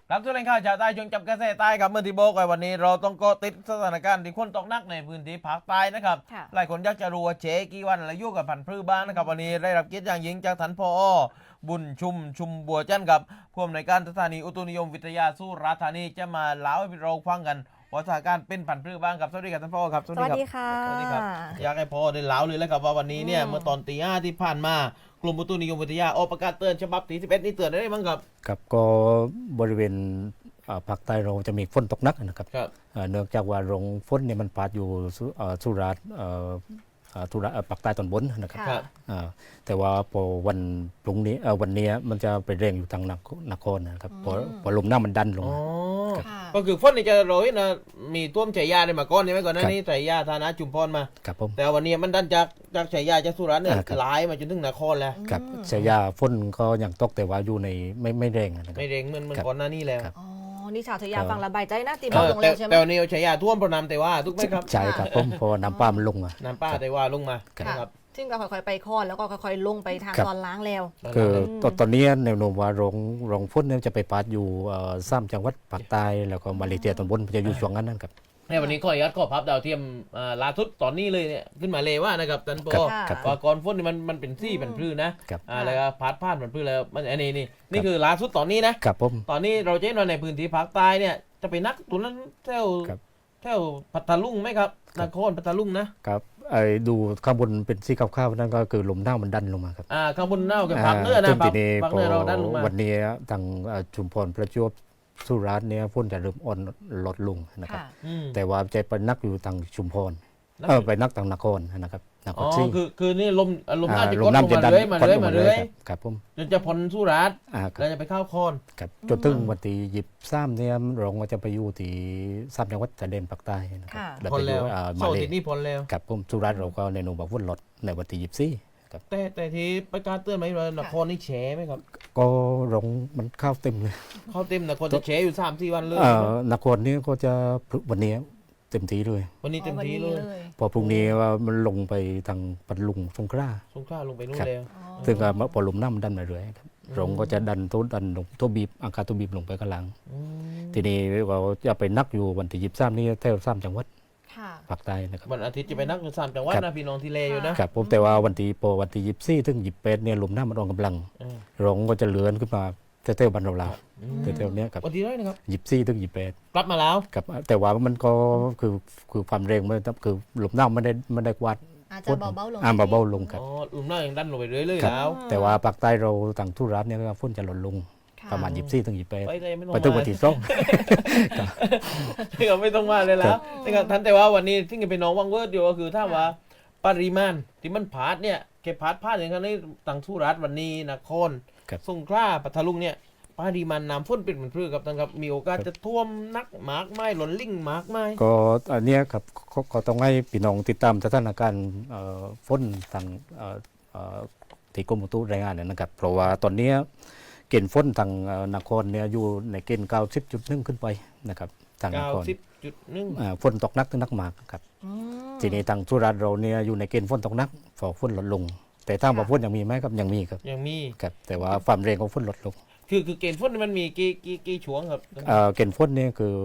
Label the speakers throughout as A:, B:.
A: ครับทุเรียนข้าวชาวใต้ช่วงจับกระแสใต้ครับเมื่อที่โบกไว้วันนี้เราต้องก็ติดสถานการณ์ที่คนตกหนักในพื้นที่ภาคใต้นะครับ
B: ค่ะ
A: หลายคนอยากจะรู้ว่าเจ๊กี่วันและยุ่งกับพันธุ์พืชบ้างนะครับวันนี้ได้รับเกียรติอย่างยิ่งจากท่านผอ.บุญชุมบัวจันทร์ครับผู้อำนวยการสถานีอุตุนิยมวิทยาสุราษฎร์ธานีจะมาเล่าให้เราฟังกันว่าสถานการณ์เป็นพันธุ์พืชบ้างครับสวัสดีครับท่านผอ.ครับ
B: สวัสดีค่ะ
A: สวัสดีครับอยากให้ผอ.ได้เล่าเลยแล้วครับว่าวันนี้เนี่ยเมื่อตอนตี 5ที่ผ่านมากลุ่มอุตุนิยมวิทยาออกประกาศเตือนฉบับที่11นี่เตือนได้บ้างครับ
C: ครับก็บริเวณภาคใต้เราจะมีฝนตกหนักนะครับ
A: ครับ
C: เนื่องจากว่าโรงฝนเนี่ยมันพาดอยู่สุราษฎร์ภาคใต้ตอนบนนะครับ
A: ครับ
C: แต่ว่าพอวันพรุ่งนี้วันนี้มันจะไปเร่งอยู่ทางนครนะครับพอลมหน้ามันดันลง
A: อ๋อ
C: มา
B: ค่ะ
A: ก็คือฝนนี่จะโรยนะมีท่วมชายาได้มาก่อนใช่ไหมก่อนหน้านี้ชายาธานะจุมพรมา
C: ครับผม
A: แต่วันนี้มันดันจากชายาจากสุราษฎร์เนี่ย
C: ครับ
A: ไหลมาจนถึงนครแล้ว
C: กับชายาฝนก็ยังตกแต่ว่าอยู่ในไม่แรงนะครับ
A: ไม่เร่งเหมือน
C: ครับ
A: ก่อนหน้านี้แล้ว
C: ครับ
B: อ๋อ นี่ชาวทยาฟังระบายใจนะตี
A: เอ
B: บอก
A: อ
B: ลงแล้วใช่ไหม
A: แต่วันนี้ชายาท่วมเพราะน้ำแต่ว่าถูกไหมครับ
C: ใช่ครับผมเพอน้ำป้ามันลงอ่ะ
A: น้ำป้าแต่ว่าลงมา
B: ค่ะ
A: นะครับ
B: ซึ่งก็ค่อยๆไปคอนแล้วก็ค่อยๆลงไปทาง
C: ครับ
B: ตอนล้างแล้ว
C: คือตอนนี้แนวโน้มว่าโรงฝนเนี่ยจะไปปาดอยู่3จังหวัดภาคใต้แล้วก็มาเลเซียตอนบนจะอยู่ช่วงนั้นครับ
A: ในวันนี้ข้อยัดข้อพับดาวเทียมล่าสุดตอนนี้เลยเนี่ยขึ้นมาเลยว่านะครับท่านป
C: ครั
A: อบ
C: ครับ
A: ว่าก่อนฝนนี่มันเป็นซี่เป็นพลื้นะครับ แล้วก็พัดผ่านเป็นพลื้แล้วมันอันนี้นี่คือล่าสุดตอนนี้นะครับ
C: ผม
A: ตอนนี้เราจะเห็นว่าในพื้นที่ภาคใต้เนี่ยจะไปนักตรงนั้นแถว
C: ครับ
A: แถวพัทลุงไหมครับ
C: ครั
A: น
C: บ
A: ครพัทลุงนะครับ
C: ดูข้างบนเป็นสีขาวๆนั่นก็คือลมหนาวมันดันลงมาครับ
A: ข้างบนเน่ากับภาคเหนือนะ
C: จนทีนี้
A: ภาค
C: พ
A: เห
C: อ
A: นือเราดันลงมา
C: วันนี้ทางชุมพรประจวบสุราษฎร์เนี่ยฝนจะเริ่มอ่อนลดลงนะครับ
B: ค่ะ
A: อืม
C: แต่ว่าจะไปนักอยู่ทางชุมพร
A: นัก
C: ไปนักทางนครนะครับนค
A: อ๋
C: ร
A: อ
C: ศรี
A: คือนี่ลมน่าจะ
C: ล
A: ก
C: ม
A: ดล
C: น้ำ
A: ง
C: จะ
A: มา
C: ดัน
A: เรื่อยมา
C: กด
A: เรื่อย
C: ลง
A: มา
C: มาเรื่
A: เรื่
C: อ
A: อย ย
C: ครับผม
A: จนจะพ้นสุราษฎร์
C: ค
A: แล้
C: รั
A: ว
C: บ
A: จะไปเข้าคอน
C: ครับจนถึงวันที่23เนี่ยโรงก็จะไปอยู่ที่3จังหวัดชายแดนภาคใต้นะครับ
B: ค่ะ
C: แล้ว
A: พ้
C: ไป
A: น
C: อยู่
A: แล้ว
C: มา
A: เสาร์
C: เล
A: อาที่นี่พ้นแล้ว
C: ครับผมสุราษฎร์เราก็ในนูบอกฝนลดในวันที่24ครับ
A: แต่ที่ประกาศเตือนไหมว่านครนี่แฉไหมครับ
C: ก็โรงมันเข้าเต็มเลย
A: เข้าเต็มนครจะแฉอยู่3-4 วันเลย
C: นครนี้ก็จะวันนี้เต็มที่เลย
A: วันนี้เต็มที่เลย
C: พอพรุ่งนี้ว่ามันลงไปทางปัตตานีสงขลา
A: สงขลาลงไปนู่น
C: ครับ
A: แล้ว
C: ซึ่งก็พอลมน้ำมันดันมาเรื่อยครับลงก็จะดันลงตัวบีบอากาศตัวบีบลงไปข้างหลัง
A: อืม
C: ทีนี้เราจะไปนักอยู่วันที่23นี่แถว3จังหวัด
B: ค่ะ
C: ภาคใต้นะครับ
A: วันอาทิตย์จะไปนักอยู่3 จังหวัด
C: ครับ
A: นะพี่น้องที่เลอยู่นะครับ
C: ผมแต่ว่าวันที่24ถึง28เนี่ยลมน้ำมันอ่อนกำลัง
A: เออ
C: ลงก็จะเลื่อนขึ้นมาแถวๆบ้านเรา
A: อืม
C: แถวๆเนี้ยครับ
A: วันที่เท่าไหร่นะครับ
C: 24ถึง28
A: กลับมาแล้ว
C: ครับแต่ว่ามันก็คือความแรงมันคือลมน้ำไม่ได้กวาด
B: อาจจะเบาๆลง
C: เบาๆลงครับ
A: อ๋อลุมหน้ายังดันลงไปเรื่อยๆ
C: ครับ
A: แล้ว
C: แต่ว่าภาคใต้เราต่างทุรัฐเนี่ยก็ฝนจะลดลง
B: ค่ะ
C: ประมาณ24ถึง28
A: ไปเลยไม่ต้อง
C: ไปถึง
A: มา
C: วันที่2
A: ก็ไม่ต้องมาเลยแล้
C: ครั
A: ว
C: บ
A: นะครับท่านแต่ว่าวันนี้ที่เป็นน้องวังเวิร์ดอยู่ก็คือถ้าว่าปริมาณที่มันผาดเนี่ยเก็บผาดอย่างนี้ต่างทุรัฐวันนี้นคร
C: ครับ
A: สงขลาปัทลุงเนี่ยปริมาณน้ำฝนเป็นเหมือนพืชครับท่านครับมีโอกาสจะท่วมนักหมากไม้หล่นลิ่งหมากไม้
C: ก็อันเนี้ยครับก็ต้องให้พี่น้องติดตามสถานการณ์ฝนทางที่กรมอุตุรายงานเนี่ยนะครับเพราะว่าตอนเนี้ยเกณฑ์ฝนทางนครเนี่ยอยู่ในเกณฑ์90.1ขึ้นไปนะครับทางนคร
A: 90.1
C: ฝนตกหนักถึงหนักมากครับ
B: อืม
C: ทีนี้ทางสุราษฎร์เราเนี่ยอยู่ในเกณฑ์ฝนตกหนักฝนฝนลดลง แต่ถ้าว่าฝนยังมีไหมครับยังมีครับ
A: ยังมี
C: ครับแต่ว่าความแรงของฝนลดลง
A: คือเกณฑ์ฝนมันมีกี่ช่วงครับ
C: เกณฑ์ฝนเนี่ยคือ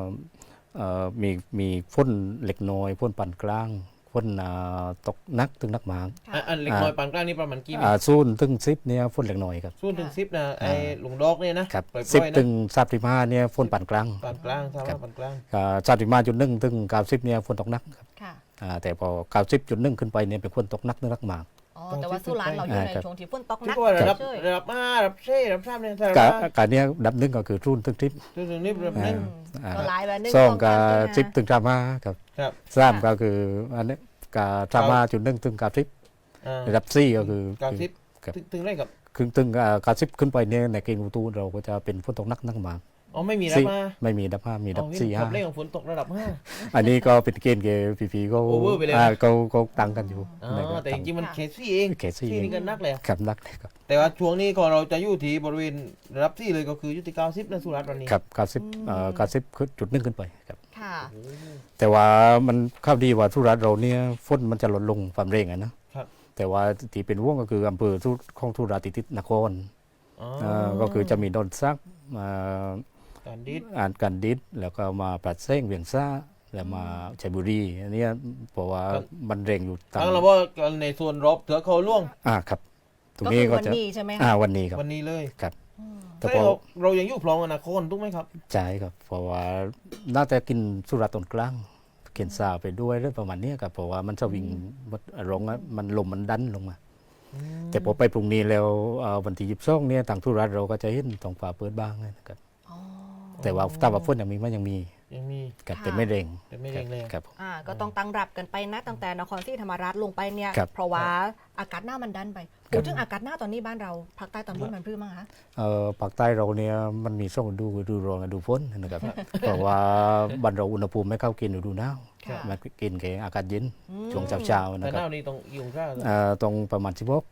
C: มีฝนเล็กน้อยฝนปานกลางฝนตกหนักถึงหนักมาก
A: อันเล็กน้อยปานกลางนี่ประมาณกี่เมตร
C: 0ถึง10เนี่ยฝนเล็กน้อยครับ
A: 0 ถึง 10นะไอ้หลุงดอกเนี่ยนะครับ ปล่อยๆ
C: 10
A: นะ
C: ถึง35เนี่ยฝนปานกลาง
A: ปานกลางทราบ
C: ครั
A: ว่า
C: บ
A: ปานกลาง
C: 35.1ถึง90เนี่ยฝนตกหนักครับ
B: ค่ะ
C: แต่พอ90.1ขึ้นไปเนี่ยเป็นฝนตกหนักถึงหนักมาก
B: อ๋อ แต่ว่าสุราษฎร์เราอยู่ใน
C: ครับ
B: ช่วงที่ฝนตกห
A: ที่
B: นัก
A: ก็ว่าระดับ
B: เฉย
A: ระดับ5ระดับ4ระดับ3เนี่ยถ้าระ
C: กา
A: ดับ
C: การเนี้ยดับหนึ่งก็คือรุ่นถึงทริป
A: ถึงนี้ระดับหนึ่ง
B: ก็หลายแบบหนึง
C: สองก็
B: สาม
C: ทริปถึงทรามาครับ
A: ครับ
C: สามก็คืออันนี้ก็ทรามาจุดหนึ่งถึงกาทริป
A: อ่า
C: ระดับสี่ก็คือ
A: 90
C: ครับ
A: ถึงได้กับ
C: ถึงกาทริปขึ้นไปเนี่ยในเกณฑ์อุตุเราก็จะเป็นฝนตกหนักมาก
A: อ๋อไม่มีระดับ
C: ไม่มีดับห้ามีดับสี่
A: ค
C: ห้า
A: รับเลขของฝนตกระดับ
C: อันนี้ก็เป็นเกณฑ์เกพีก็
A: Over ไปเลย
C: ก็ตั้งกันอยู่
A: 5อ๋อ
C: นะครับ
A: แต่จริงๆมันเคสซี่เอง
C: เคสซี่
A: ที่นี่ก็นักเลย
C: ครับนักเลยครับ
A: แต่ว่าช่วงนี้ก็เราจะอยู่ที่บริเวณระดับ4เลยก็คืออยู่ที่90นะสุราษฎร์วันนี้
C: ครับกาทริปจุดหนึ่งขึ้นไปครับ
B: ค่ะ
C: แต่ว่ามันข้าวดีว่าสุราษฎร์เราเนี่ยฝนมันจะลดลงความเร่งอะนะครับ แต่ว่าที่เป็นห่วงก็คืออำเภอของสุราษฎร์ติดนคร
A: อ๋อ
C: ก็คือจะมีดอนซักการดิษแล้วก็มาปรัดเส้งเวียงซ่าแล้วมาชัยบุรีอันเนี้ยเพราะว่ามันเร่งอยู่ตาม
A: ทั้งเราว่าในส่วนรบเถือเขาล่วง
C: ครับตรง
B: ก็
C: นี้
B: คือ
C: ก็
B: วัน
C: จะ
B: นี้ใช่ไหมคะ
C: วันนี้ครับ
A: วันนี้เลย
C: ครับ
B: อืม
C: แต่
A: แต่
C: พอ
A: เรายังอยู่พร้อมอนาคตถูกไหมครับ
C: ใช่ครับเพราะว่าน่าจะกินสุราตอนกลางกินซาไปด้วยเรื่องประมาณเนี้ยครับเพราะว่ามันจะวิ่งลงมันลมมันดันลงมา แต่พอไปพรุ่งนี้แล้ววันที่22เนี่ยทางสุราษฎร์เราก็จะเห็นท้องฟ้าเปิดบ้างนะครับ
B: อ๋อ
C: แต่ว่าถ้าว่าฝนยังมีมันยังมี กับ
B: ค่ะ
C: แต่ไม่เร่ง
A: แต่ไม่เร่งแรง
C: ครับ
B: ก็ต้องตั้งรับกันไปนะตั้งแต่นครศรีธรรมราชลงไปเนี่ย
C: ครับ
B: เพราะว่าอากาศหน้ามันดันไปพูดถึงอากาศหน้าตอนนี้บ้านเราภาคใต้ตอนบนมันพื้นมั้งคะ
C: ภาคใต้เราเนี่ยมันมี2ฤดูฤดูร้อนฤดูฝนนะครับ เพราะว่าบ้านเราอุณหภูมิไม่เข้าเกณฑ์ฤดูหนาว
B: ค่ะ
C: มันกินแค่อากาศเย็น
B: อืม
C: ช่วงเช้าๆ
A: แต่
C: นะค
A: ห
C: รับ
A: น้านี้ต้องยุงข้าว
C: ตรงประมาณ16
A: ที่ว่า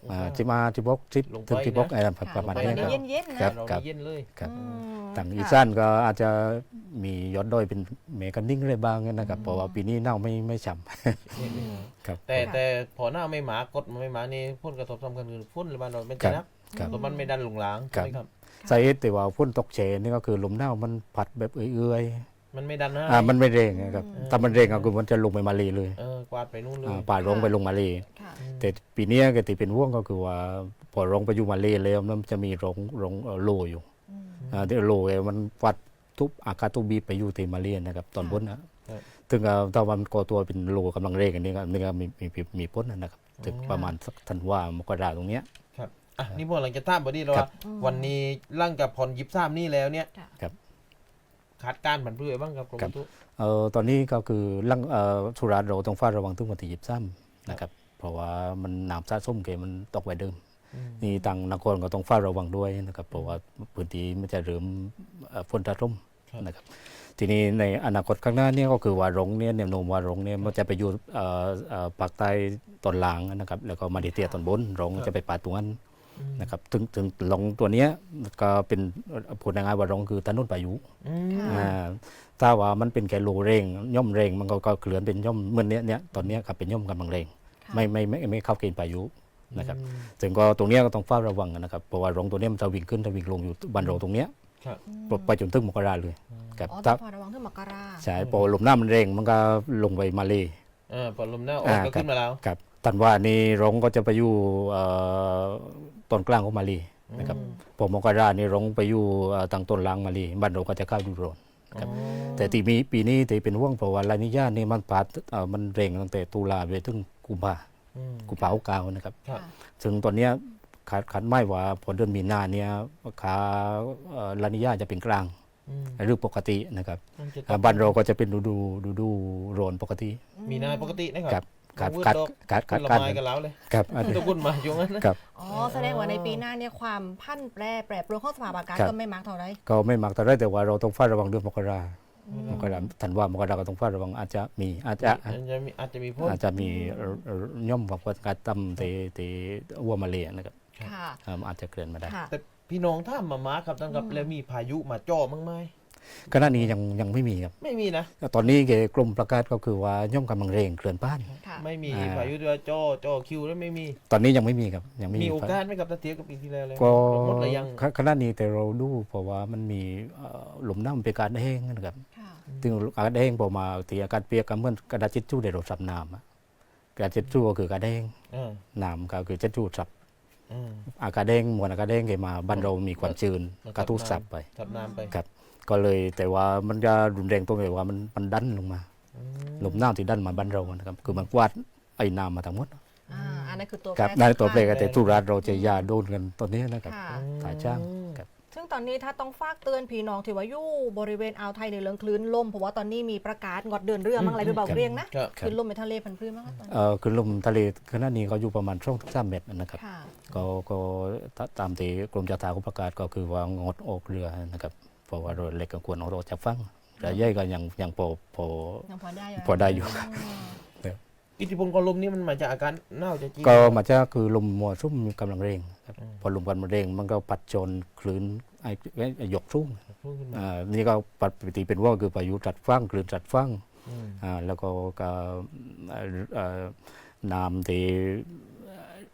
C: 15 16
A: ลงไป
C: 10ถึง16อะไรประมาณ
B: ไป
C: นี้
B: วัน
C: ค
B: นี้
C: รับ
B: เย็นๆนะ
A: เรา
C: ครับ
A: เย็นเลย
C: ครับ
B: อืม
C: ทางอี
B: ค่ะ
C: สานก็อาจจะมียอดดอยเป็นเมฆนิ่งอะไรบ้างนะครับเพราะว่าปีนี้หนาวไม่ฉ่ำครับ
A: แต่พอหน้าไม่หมากดมันไม่หมานี่พ่นกระทบสำคัญคือพ่นหรือบ้านเราไม่
C: ครั
A: จะ
C: บ
A: นัก
C: ครับ
A: ตัวมันไม่ดันหลงหลาง
C: ครับ
A: ใช่ไหมครับ
C: สาเหตุแต่ว่าฝนตกเฉนี่ก็คือลมหนาวมันพัดแบบเอื่อย
A: มันไม่ดันนะ
C: ๆมันไม่เร่งนะครับถ้ามันเร่งก็คือมันจะลงไปมาเลยเลย
A: กวาดไปนู่นเลย
C: ป่าลงไปลงมาเลย
B: ค่ะ
C: แต่ปีนี้ก็ที่เป็นห่วงก็คือว่าพอลงไปอยู่มาเลยแล้วมันจะมีรงโลอยู่
B: อืม
C: ที่โลมันวัดทุบอากาศทุบบีไปอยู่ที่มาเลยนะครับตอนบนนะถึงถ้าวันก่อตัวเป็นโลกำลังเร่งอันนี้ก็มีพ้นนะครับถึงประมาณสักธันวามกราตรงเนี้ย
A: ครับนี่พวกหลังจะท่ามบอดี้เราว่าวันนี้ร่างกับผ่อนยิบซ้ำนี่แล้วเนี่ย
C: ครับ
A: ขาดการผันเพื่อบ้างครับกรม
C: ครับ
A: อุตุ
C: ตอนนี้ก็คือสุราษฎร์เราต้องเฝ้าระวังถึงวันที่23นะครับเพราะว่ามันน้ำสะสมเกมันตกไว้เดิมนี่ทางนครก็ต้องเฝ้าระวังด้วยนะครับเพราะว่าพื้นที่มันจะเริ่มฝนสะสมนะครับทีนี้ในอนาคตข้างหน้าเนี่ยก็คือว่ารงเนี่ยแนวโน้มว่ารงเนี่ยมันจะไปอยู่ภาคใต้ตอนล่างนะครับแล้วก็มาเลเซียตอนบนรงจะไปป่าตรงนั้นนะครับถึงลงตัวเนี้ยก็เป็นพูดง่ายๆว่ารงคือถนนพายุ ถ้าว่ามันเป็นแค่โลเร่งย่อมเร่งมันก็เคลื่อนเป็นย่อมเมื่อเนี้ยตอนเนี้ยครับเป็นย่อมกำลังเร่งไม่เข้าเกณฑ์พายุนะครับถึงก็ตรงเนี้ยก็ต้องเฝ้าระวังนะครับเพราะว่ารงตัวเนี้ยมันจะวิ่งขึ้นจะวิ่งลงอยู่บ้านเราตรงเนี้ยไปจนถึงมกราเลยครับ
B: อ๋อต้
C: ถ้า
B: องเฝ้าระวังถึงมกรา
C: ใช่พอลมหน้ามันเร่งมันก็ลงไปมาเลย
A: พอลมหน้าออกก็ขึ้นมาแล้ว
C: ครับตันว่านี่รงก็จะไปอยู่ตอนกลางของมาเลยนะครับพอมกรานี่รงไปอยู่ทางต้นล่างมาเลยบ้านเราก็จะเข้าอยู่โรน ครับแต่ที่มีปีนี้ที่เป็นห่วงเพราะว่าลานิญานี่มันปัดมันเร่งตั้งแต่ตุลาไปถึงกุมภาพันธ์69นะครับ
A: ครับ
C: ซึ่งตอนเนี้ยขาดไม่ว่าพอเดือนมีนาเนี่ยขาลานิญาจะเป็นกลางหรือปกตินะครับบ้านเราก็จะเป็นฤดูร้อนปกติ
A: มีนาปกตินะค
C: ค
A: รั
C: รั
A: บบ
C: ขาด
A: ละ
C: การ
A: ไม้กันแล้วเลย
C: ครับ
A: ต้องวุ่นมาอยู่งั้นนะครับ
B: อ๋อแสดงว่าในปีหน้าเนี่ยความพันแปรปรวนของสภาพอากาศ
C: ครับ
B: ก็ไม่มากเท่าไหร
C: ก็ไม่มากแต่ไรแต่ว่าเราต้องเฝ้าระวังเรื่องมกราธันวามกราก็ต้องเฝ้าระวังอาจจะมี
A: อาจจะมีพ่น
C: อาจจะมีย่อมว่าการตั้มเตวัวมาเลียนะครับ
B: ค่ะ
C: อาจจะเกินมาได้
B: ค่ะ
A: แต่พี่น้องท่ามมาครับตั้งกับแล้วมีพายุมาจ่อมั้งไหม
C: ขณะนี้ยังไม่มีครับ
A: ไม่มีนะ
C: ตอนนี้กรมประกาศก็คือว่าย่อมกำลังเร่งเคลื่อนบ้าน
B: ค่ะ
A: ไม่มีพายุตัวจ่อคิวแล้วไม่มี
C: ตอนนี้ยังไม่มีครับยังไม่
A: มีโอกาสไหมกับตะเทียบกับปีที่แล้วเลย
C: ก็
A: หมดหรือยัง
C: ขณะนี้แต่เราดูเพราะว่ามันมีหลุมน้ำเป็นการแห้งนะครับ
B: ค่ะ
C: ถึงอากาศแห้งพอมาที่อากาศเปียกก็เหมือนกระดาษทิชชู่ได้เราสับน้ำกระดาษทิชชู่ก็คือกระดาษแห้ง น้ำก็คือทิชชู่สับอากาศแห้งมวลอากาศแห้งมาบ้านเรามีความชื้นกระทุ้สับไป
A: สับน้ำไป
C: ครับก็เลยแต่ว่ามันจะรุนแรงตรงที่ว่ามันดันลงมาลมน้ำที่ดันมาบ้านเรานะครับคือมันกวาดไอ้น้ำมาทั้งหมด
B: อันนั้นคือตัว
C: ครับ
B: แปร
C: นั่นตัวเปลก
B: สำคัญ
C: แต่ทุรัสเราจะยาโดนกันตอนนี้นะครับ
B: ค่ะ
C: ถ่ายช่างครับ
B: ซึ่งตอนนี้ถ้าต้องฝากเตือนพี่น้องที่ว่าอยู่บริเวณอ่าวไทยในเรื่องคลื่นลมเพราะว่าตอนนี้มีประกาศงดเดินเรือมั้งอะไรไปบอกเรียงนะครับ คลื่นลมในทะเลพันธุ์พื้นมั้งคะตอนนี้
C: คือลมทะเลขณะนี้เขาอยู่ประมาณช่วง3 เมตรนะครับ
B: ค่ะ
C: ก็ตามที่กรมเจ้าท่าเขาประกาศก็คือว่างดออกเรือนะครับเพราะว่าเรือเล็กก็ควรออกจากฝั่งเรือใหญ่ก็ยังพอ
B: ยังพอได้อยู่
C: พอได้อยู่
A: อิทธิพลของลมนี่มันมาจากอาการหนาวจะจริง
C: ก็มาจากคือลมมัวซุ่มมีกำลังเร่งครับพอลมกันมันเร่งมันก็ปัดชนคลื่นไอ้ยกสูง
A: พุ่งขึ้นมา
C: นี่ก็ปกติเป็นว่าคือพายุจัดฟั่งคลื่นจัดฟั่งแล้วก็น้ำที่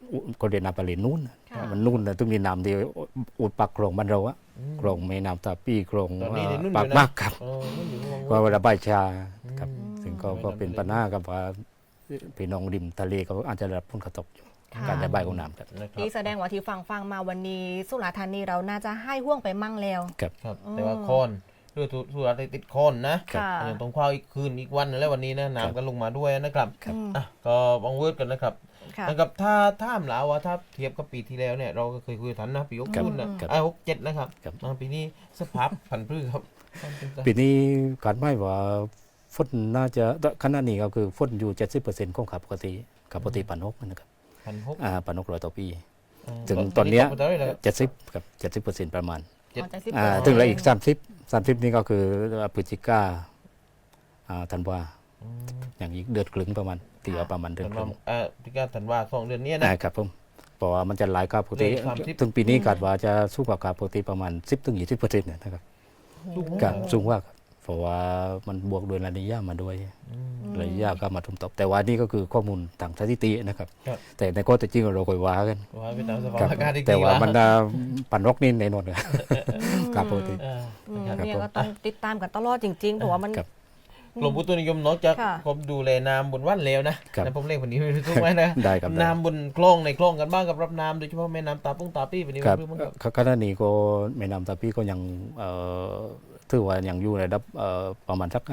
C: ก็เรียนน้ำปลาเลนนู่น
B: ค่ะ
C: มันนู่นนะต้องมีน้ำที่อุดปากคลองบ้านเราอะคลองแม่น้ำตาปี้คลอง
A: ตอนนี้ในนู่นอยู่
C: ปาก
A: นะ
C: มากครับ
A: นู่นอยู่
C: ว่าระบายชาครับ
A: อืม
C: ซึ่งก็เป็นปัญหากับว่าพี่น้องริมทะเลก็อาจจะได้รับผลกระทบอยู่
B: ค่ะ
C: การระบายของน้ำครับ
A: นะครับ
B: ที่แสดงว่าที่ฟังมาวันนี้สุราษฎร์ธานีเราน่าจะให้ห่วงไปมั่งแล้ว
C: ครับ
A: ครับแต่ว่าโคนด้วยสุราษฎร์ติดโคนนะ
B: ค่ะ
A: ยังต้องคว้าอีกคืนอีกวันนึงแล้ววันนี้นะน้ำก็ลงมาด้วยนะครับ
C: ครับ
A: อ่ะก็บังเวิร์ดกันนะครับ
B: ค่ะ
A: นะครับถ้าถามแล้วว่าถ้าเทียบกับปีที่แล้วเนี่ยเราก็เคยคุยกันนะปีหก
C: ครับ
A: ศูนย์นะครับ 67นะครับ
C: ครับ
A: มาปีนี้สภาพผันพืชครับ
C: ปีนี้การไม่ว่าฝนน่าจะขณะนี้ก็คือฝนอยู่ 70%ของปกติปานนกนะครับ
A: 1,600
C: ปานนกร้อยต่อปี ถึงตอนเนี้ย 70กับ70%ประมาณ
B: อ๋อจะสิบ
C: ถึงแล้วอีก30นี่ก็คือพฤศจิกาธันวาอย่างอีกเดือนครึ่งประมาณตีเอาประมาณเดือนครึ่ง
A: พิการธันวา2 เดือนเนี้ยนะครับ
C: ผมเพราะว่ามันจะหลายกว่าปกติ
A: เลข30
C: ถึงปีนี้คาดว่าจะสูงกว่าปกติประมาณ 10-20%นะครับ
A: สูงมาก
C: ครับสูงกว่าครับเพราะว่ามันบวกด้วยระยะมาด้วยระยะก็มาทุ่มตบแต่ว่านี่ก็คือข้อมูลทางสถิตินะครับ
A: ครับ
C: แต่ในข้อเท็จจริงเราค่อยว่ากัน
A: ว่าไปตามสภาพ
C: ครับ
A: อากาศอีก
C: แต่
A: ที
C: ว่า
A: ละ
C: มันปันนกนี่ในนนท์ครับปกติ ครับ
B: เนี่ย
C: ผม
B: ก็ต้องติดตามกันตลอดจริงๆเพราะว่ามัน
C: ครับ
A: กรมอุตุนิยมนอกจาก
B: ค่ะ
A: ผมดูแลน้ำบนว่านแล้วนะครับ นะผมเล่นวันนี้ไม่รู้ทุกไหมนะ
C: ได้ครับได้
A: น้ำบนคลองในคลองกันบ้างกับรับน้ำโดยเฉพาะแม่น้ำตาปุ้งตาปี้วันนี้
C: ครับ
A: เรื่องมันกับ
C: ขณะนี้ก็แม่น้ำตาปีก็ยังถือว่ายังอยู่ในระดับประมาณสัก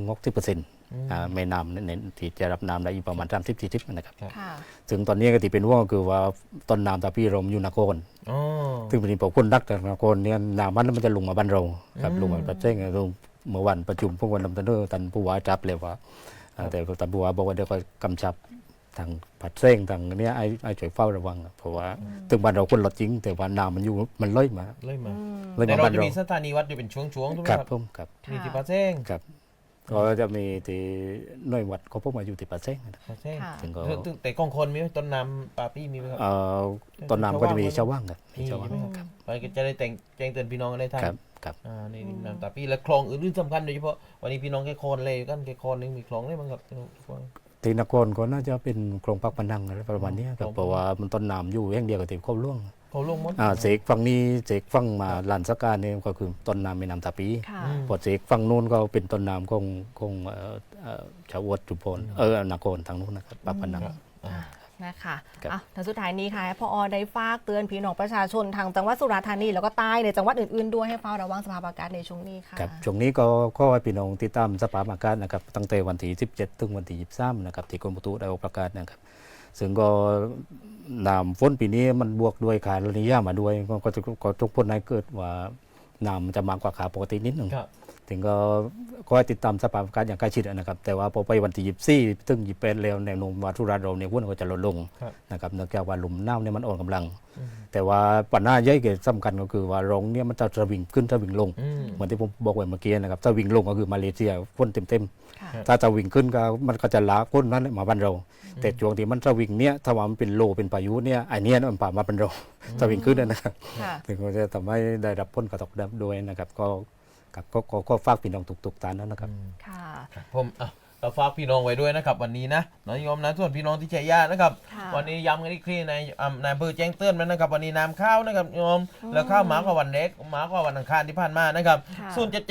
C: 50-60%แม่น้ำในที่จะรับน้ำได้อยู่ประมาณ30-40นะครับ
B: ค่ะ
C: ถึงตอนนี้ก็ที่เป็นห่วงก็คือว่าต้นน้ำตาปีเราอยู่นคร
A: อ๋อ
C: ซึ่งเป็นพวกคนรักจากนครเนี่ยน้ำมันจะลงมาบ้านเราครับ
A: อืม
C: ลงมาประเทศลงเมื่อวันประชุมพวกวันนำตันเดอร์ตันผู้ว่าจับเลยว่าแต่ตันผู้ว่าบอกว่าเดี๋ยวก็กำชับทางผัดเส้งทางเนี้ยไอ้ช่วยเฝ้าระวังเพราะว่าถึงบ้านเราคนลดจริง แต่ว่าน้ำมันอยู่มันเลยมา
A: เลยมา
C: เลย
A: แต่
C: มา
A: เรา
C: บ้าน
A: จะ
C: เรา
A: มีสถานีวัดอยู่เป็นช่วงๆถูกไหม
C: ครับ
A: ครับ
C: ผมครับ
A: มีที่ปาเซ้ง
C: ครับก็จะมีที่หน่วยวัดเขาพวกมาอยู่ที่ปัดเส้งนะครับ
A: ปาเซ้ง
B: ค่ะ
C: ถึงก็
A: แต่กองคนมีไหมต้นน้ำปาปี้มีไหมครับ
C: ต้นน้ำก็จะมีชาวว่างครับมี
A: มี
C: ชาวว่าง
A: ใช่ไหมครับไปก็จะได้แจ้งเตือนพี่น้องกันได้ทัน
C: ครับครับ
A: นี่น้ำตาปี้และคลองอื่นๆสำคัญโดยเฉพาะวันนี้พี่น้องแค่คอนเลยกันแค่คอนนึงมีคลองได้บ้างครับ
C: ที่นครก็น่าจะเป็นโครงพักพนังอะไรประมาณเนี้ยครับเพราะว่ามันต้นน้ำอยู่แห่งเดียวกับที่ครอบล่วง
A: เขาลงมด
C: เสกฝั่งนี้เสกฝั่งมาลานสกาเนี่ยก็คือต้นน้ำแม่น้ำตาปี
B: ค่ะ
C: พอเสกฝั่งนู้นก็เป็นต้นน้ำของชาวอวดจุพลนครทางนู้นนะครับปากพนัง
B: นะคะ
C: ครับ
B: แต่สุดท้ายนี้ค่ะให้พอได้ฝากเตือนพี่น้องประชาชนทางจังหวัดสุราษฎร์ธานีแล้วก็ใต้ในจังหวัดอื่นๆด้วยให้เฝ้าระวังสภาพอากาศในช่วงนี้ค่ะ
C: ครับช่วงนี้ก็ขอให้พี่น้องติดตามสภาพอากาศนะครับตั้งแต่วันที่17ถึงวันที่23นะครับที่กรมอุตุได้ออกประกาศนะครับซึ่งก็น้ำฝนปีนี้มันบวกด้วยขาลนิยามาด้วยก็ทุกคนให้เกิดว่าน้ำมันจะมากกว่าขาปกตินิดหนึ่ง
A: ครับ
C: ถึงก็คอยติดตามสภาพอากาศอย่างใกล้ชิดนะครับ แต่ว่าพอไปวันที่24ถึง28แล้วแนวโน้มว่าทุราเราเนี่ยฝนก็จะลดลง
A: ครับ
C: นะครับเนื่องจากว่าลมหนาวเนี่ยมันอ่อนกำลัง แต่ว่าปัญหาใหญ่เกิดสำคัญก็คือว่าลมเนี่ยมันจะสวิงขึ้นสวิงลง เหมือนที่ผมบอกไว้เมื่อกี้นะครับสวิงลงก็คือมาเลเซียฝนเต็ม
B: ค่ะ
C: ๆถ้าสวิงขึ้นก็มันก็จะลากฝนนั้นมาบ้านเรา แต่ช่วงที่มันสวิงเนี่ยถ้าว่ามันเป็นโลเป็นพายุเนี่ยไอเนี้ยมันป่ามาเป็นเราสวิงขึ้นนะครับ
B: ค่ะ
C: ถึงก็จะทำให้ได้รับผลกระทบด้วยนะครับก็ฝากพี่น้องทุกๆท่านนะครับ
B: ค่ะ
A: ผมเราฝากพี่น้องไว้ด้วยนะครับวันนี้นะน้องโยมนะส่วนพี่น้องที่ชัยยานะครับ
B: ค่ะ
A: วันนี้ย้ำกันอีกทีในอำเภอแจ้งเตือนมันนะครับวันนี้น้ำข้าวนะครับโยมแล้วข้าวหมากกว่าวันเล็กหมากกว่าวันอังคารที่ผ่านมานะครับ
B: ค่ะ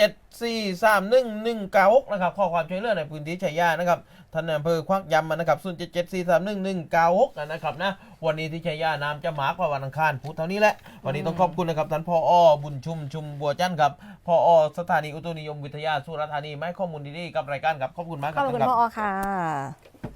A: 077431196นะครับข้อความช่วยเหลือในพื้นที่ชัยยานะครับท่านนายอำเภอควักย้ำมานะครับ077431196นะครับนะวันนี้ที่ชัยยาน้ำจะหมากกว่าวันอังคารพูดเท่านี้แหละวันนี้ต้องขอบคุณนะครับท่านผอ.บุญชุมบัวจันทร์ครับผอ.สถานีอุตุนิยมวิทยาสุราษฎร์ธานีมาให้ข้อมูลดีๆกับรายการครับขอบคุณมากค
B: ข
A: รั
B: อ
A: บบ
B: คุณ
A: ท่านครับ
B: พอค่ะ